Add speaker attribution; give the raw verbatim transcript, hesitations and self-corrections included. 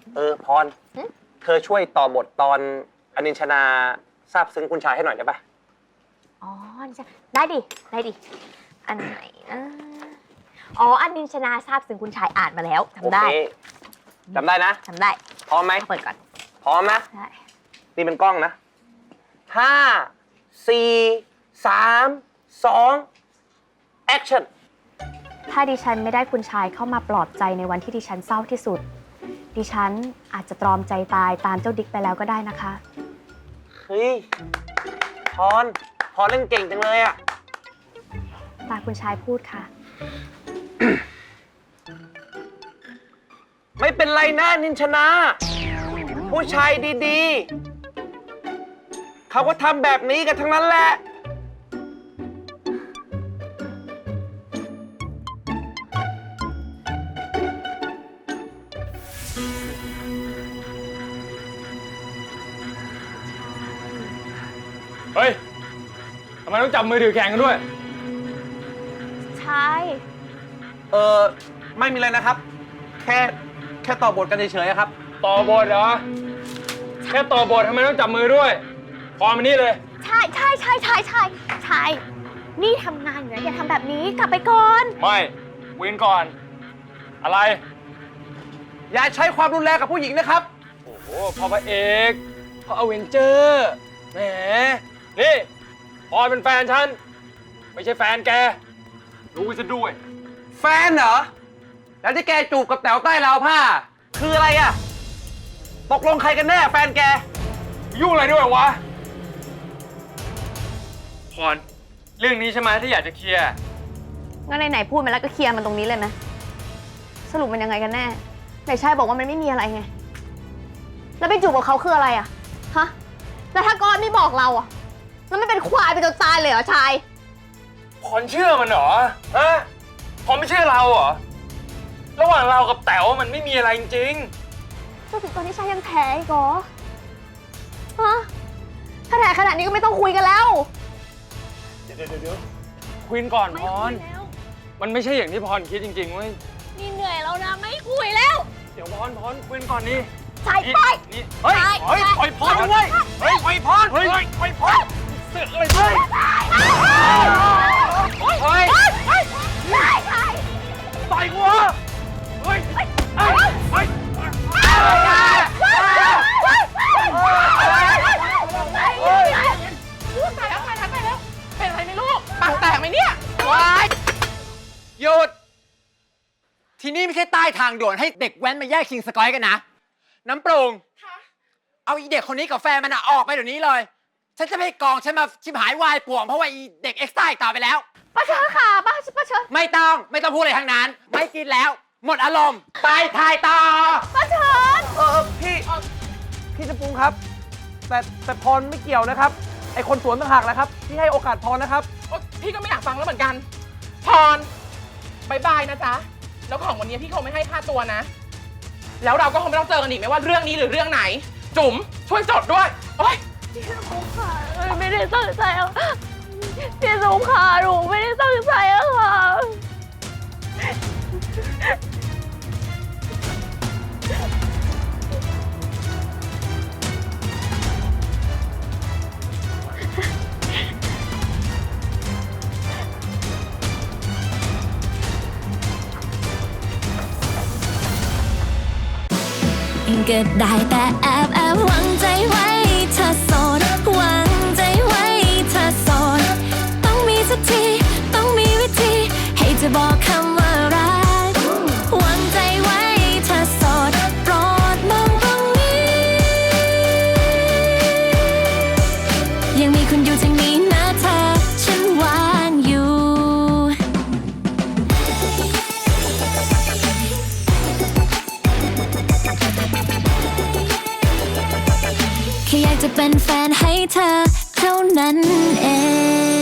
Speaker 1: เออพรเธอช่วยต่อบทตอนอนินชนาทราบซึ้งคุณชายให้หน่อยได้ปะ
Speaker 2: อ๋อได้ดิได้ดิอันไหนนะอ๋ออันนินชนาทราบซึ้งคุณชายอ่านมาแล้วจำได้
Speaker 1: จำได้นะ
Speaker 2: จำได้
Speaker 1: พร้อมไหม
Speaker 2: เปิดก่อน
Speaker 1: พร้อมนะ
Speaker 2: ได้
Speaker 1: นี่เป็นกล้องนะห้าสี่สามสองแอคชั่น
Speaker 2: ถ้าดิฉันไม่ได้คุณชายเข้ามาปลอบใจในวันที่ดิฉันเศร้าที่สุดดิฉันอาจจะตรอมใจตายตามเจ้าดิ๊กไปแล้วก็ได้นะคะ
Speaker 1: เฮ้ยพรพรเล่นเก่งจังเลยอะ
Speaker 2: ตาคุณชายพูดค่ะ
Speaker 1: ไม่เป็นไรนะนินชนาผู้ชายดีๆเขาก็ทำแบบนี้กันทั้งนั้นแหละ
Speaker 3: เฮ้ย ทำไมต้องจับมือถือแข่งกันด้วย
Speaker 2: ใช่
Speaker 1: เออไม่มีอะไรนะครับ แค่แค่ต่อบทกันเฉยๆครับ
Speaker 3: ต่อบทเหรอ แค่ต่อบททำไมต้องจับมือด้วย พอมานี่เลย
Speaker 2: ใช่ใช่ใช่ใช่ใช่ใช่นี่ทำงานอยู่นะอย่าทำแบบนี้กลับไปก่อน
Speaker 3: ไม่วินก่อน อะไร
Speaker 1: อย่าใช้ความรุนแรงกับผู้หญิงนะครับ
Speaker 3: โอ้โหพอพระเอกพออเวนเจอร์แหมนี่พอเป็นแฟนฉันไม่ใช่แฟนแกรู้ซะด้วย
Speaker 1: แฟนเหรอแล้วที่แกจูบกับแต๋วใต้ราวผ้าคืออะไรอะตกลงใครกันแน่แฟนแก
Speaker 3: ยุ่งอะไรด้วยวะพรเรื่องนี้ใช่ไหมที่อยากจะเคลียร์
Speaker 2: งั้นไหนๆพูดมาแล้วก็เคลียร์มันตรงนี้เลยไหมสรุปมันยังไงกันแน่ไหนชายบอกว่ามันไม่มีอะไรไงแล้วไปจูบกับเขาคืออะไรอะฮะแล้วถ้าก้อนไม่บอกเราอะแล้วมันเป็นควายไปจนตายเลยเหรอชาย
Speaker 3: พรเชื่อมันเหรอฮะพรไม่เชื่อเราเหรอระหว่างเรากับแต๋วมันไม่มีอะไรจริง
Speaker 2: ๆจนถึงตอนนี้ชายยังแท้อีกเหรอฮะถ้าแท้ขนาดนี้ก็ไม่ต้องคุยกันแล้ว
Speaker 3: เดี๋ยวเดี๋ยวเดี๋ยวคุยก่อนพรมันไม่ใช่อย่างที่พรคิดจริงๆเว้ย
Speaker 2: นี่เหนื่อยแล้วนะไม่คุยแล้ว
Speaker 3: เดี๋ยวพรพรคุยก่อนนี่
Speaker 2: ชายไป
Speaker 3: นี่เฮ้ยเฮ้ยปล่อยพรด้วยเฮ้ยปล่อยพรเฮ้ยปล่อยพรเสือกอะไรด้วยเฮ้ยต่อยกูเหรอเฮ้ยเฮ้ยเฮ้ยเฮ้ย
Speaker 4: ลูกตายแล้วตายแล้วตายแล้วเป็นอะไรไหมลูกปากแตกไหมเนี่ยว้าย
Speaker 5: หยุดที่นี่ไม่ใช่ใต้ทางด่วนให้เด็กแว้นมาแย่งชิงสกอยกันนะน้ำปรุงเอาอีเด็กคนนี้กับแฟนมันออกไปเดี๋ยวนี้เลยฉันจะไม่กองฉันมาชิบหายวายป่วงเพราะว่าอีเด็กเอ็กซ์ต้าต่อไปแล้ว
Speaker 2: ป้าเชิญค่ะป้าป้าเชิญ
Speaker 5: ไม่ต้องไม่ต้องพูดอะไรทั้งนั้นไม่กินแล้วหมดอารมณ์ไปถ่ายต่อ
Speaker 2: ป้าเชิญ
Speaker 1: เออพี่พี่จะปรุงครับแต่แต่พรไม่เกี่ยวนะครับไอคนสวนต่างหากนะครับที่ให้โอกาสพรนะครับ
Speaker 4: พี่ก็ไม่อยากฟังแล้วเหมือนกันพรบายบายนะจ๊ะแล้วของวันนี้พี่คงไม่ให้ค่าตัวนะแล้วเราก็คงไม่ต้องเจอกันอีกไม่ว่าเรื่องนี้หรือเรื่องไหนจุ๋มช่วยจดด้วยโอ๊ย
Speaker 2: พี่สมุขค่ะไม่ได้ตั้งใจอ่ะพี่สมุขค่ะหนูไม่ได้ตั้งใจอ่ะค่ะ
Speaker 6: ก็ได้แต่แอบแอบหวังใจไว้เธอโสดหวังใจไว้เธอโสดต้องมีสักทีต้องมีวิธีให้เธอบอกคำว่ารักหวังใจไว้เธอโสดโปรดมองตรงนี้ยังมีคุณอยู่ทางนี้นะเธอฉันวางอยู่แค่อยากจะเป็นแฟนให้เธอเท่านั้นเอง